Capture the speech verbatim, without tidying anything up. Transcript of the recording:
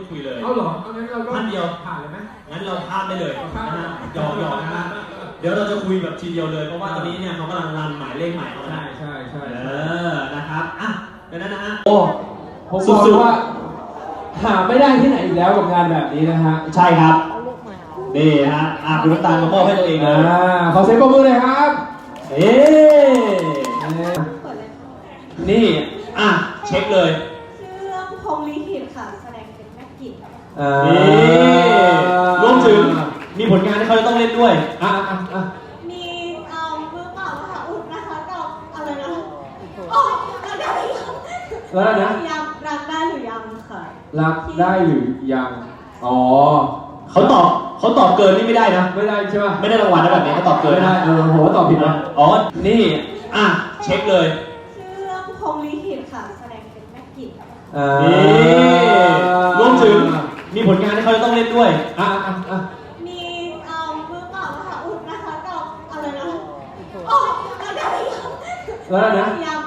คุยเลยเอาเหรอเอางั้นเราก็ท่านเดียวผ่านเลยไหมงั้นเราข้ามได้เลยนะฮะหยอกหยอกนะฮะเดี๋ยวเราจะคุยแบบทีเดียวเลยเพราะว่าตอนนี้เนี่ยเขากำลังรันหมายเลขใหม่เขาใช่ใช่ใช่เออนะครับอ่ะดังนั้นนะฮะโอ้ผมบอกเลยว่าหาไม่ได้ที่ไหนอีกแล้วกับงานแบบนี้นะฮะใช่ครับนี่ฮะอ่ะคุณน้ำตาลมามอบให้ตัวเองเลยอ่าขอเสียงปรบมือเลยครับเอ๊นี่อ่ะเช็คเลยชื่อเรื่องพรหมลิขิตค่ะแสดงเป็นแม่กิจนี่รวมถึงมีผลงานที่เขาจะต้องเล่นด้วยอ่ะอ่ะอ่ะมีเอ่อมือเปล่ามหาอุดนะคะกับอะไรนะอ๋อรักได้หรือยังแล้วนะยังรักได้หรือยังค่ะรักได้หรือยังอ๋อเขาตอบเขาตอบเกินนี่ไม่ได้นะไม่ได้ใช่ไหมไม่ได้รางวัลนะแบบนี้เขาตอบเกินไม่ได้นะเออโหตอบผิดนะอ๋อนี่อ่ะเช็คเลยชื่อเรื่องพรหมลิขิตค่ะแสดงเป็นแม่กิจนี่รวมถึงมีผลงานที่เขาจะต้องเล่นด้วยอ่ะอ่ะอ่ะมีเอ่อมือเปล่ามหาอุดนะคะกับอะไรนะอ๋อรักได้หรือยังแล้วนะยัง